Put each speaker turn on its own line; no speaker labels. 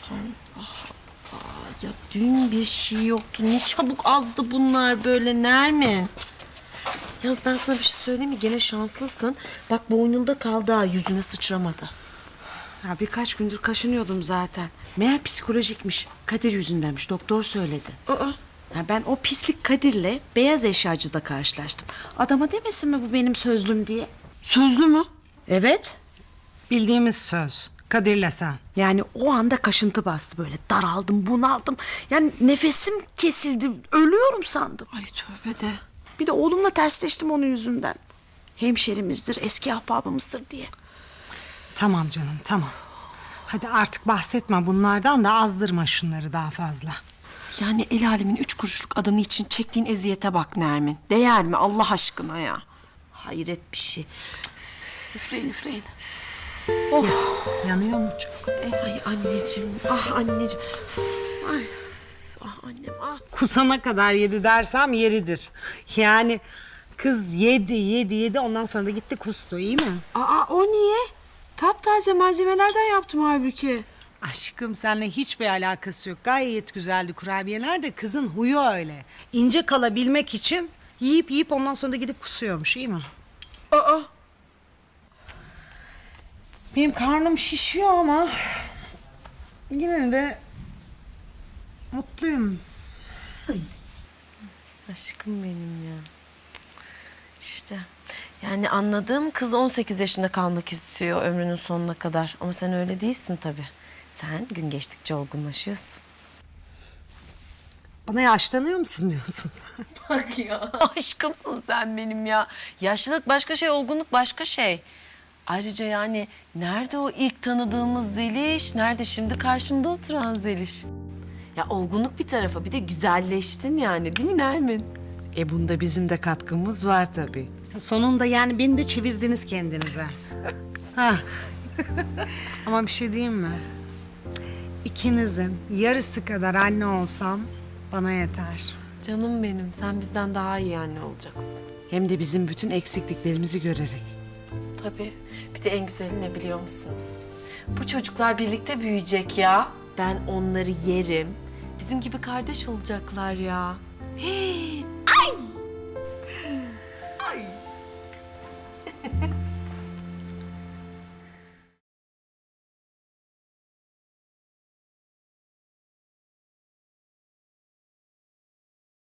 Ya dün bir şey yoktu. Ne çabuk azdı bunlar böyle Nermin. Yalnız ben sana bir şey söyleyeyim mi? Gene şanslısın. Bak boynunda kaldı ha, yüzüne sıçramadı.
Ya birkaç gündür kaşınıyordum zaten. Meğer psikolojikmiş. Kadir yüzündenmiş. Doktor söyledi. Ya ben o pislik Kadir'le beyaz eşyacıda karşılaştım. Adama demesin mi bu benim sözlüm diye?
Sözlü mü?
Evet.
Bildiğimiz söz. Kadir'le sen.
Yani o anda kaşıntı bastı böyle. Daraldım, bunaldım. Yani nefesim kesildi. Ölüyorum sandım.
Ay tövbe de.
Bir de oğlumla tersleştim onun yüzünden. Hemşerimizdir, eski ahbabımızdır diye.
Tamam canım, tamam. Hadi artık bahsetme bunlardan da azdırma şunları daha fazla.
Yani el alemin 3 kuruşluk adamı için çektiğin eziyete bak Nermin. Değer mi Allah aşkına ya? Hayret bir şey.
Üfleyin, üfleyin.
Yanıyor mu çok?
Ay anneciğim, ah anneciğim. Ay, ah annem, ah.
Kusana kadar yedi dersem yeridir. Yani kız yedi ondan sonra da gitti kustu, iyi mi?
Aa, o niye? Taptaze malzemelerden yaptım halbuki.
Aşkım seninle hiçbir alakası yok. Gayet güzeldi kurabiyeler de kızın huyu öyle. İnce kalabilmek için yiyip ondan sonra da gidip kusuyormuş, iyi mi?
Aa,
Benim karnım şişiyor ama yine de mutluyum.
Aşkım benim ya. İşte yani anladığım kız 18 yaşında kalmak istiyor ömrünün sonuna kadar. Ama sen öyle değilsin tabii. Sen gün geçtikçe olgunlaşıyorsun.
Bana yaşlanıyor musun diyorsun sen?
Bak ya. Aşkımsın sen benim ya. Yaşlılık başka şey, olgunluk başka şey. Ayrıca yani nerede o ilk tanıdığımız Zeliş? Nerede şimdi karşımda oturan Zeliş? Ya olgunluk bir tarafa, bir de güzelleştin yani, değil mi Nermin?
bunda bizim de katkımız var tabii.
Sonunda yani beni de çevirdiniz kendinize. Ha. Ama bir şey diyeyim mi? İkinizin yarısı kadar anne olsam bana yeter.
Canım benim, sen bizden daha iyi anne olacaksın.
Hem de bizim bütün eksikliklerimizi görerek.
Tabii. Bir de en güzeli ne biliyor musunuz? Bu çocuklar birlikte büyüyecek ya. Ben onları yerim. Bizim gibi kardeş olacaklar ya. Hii,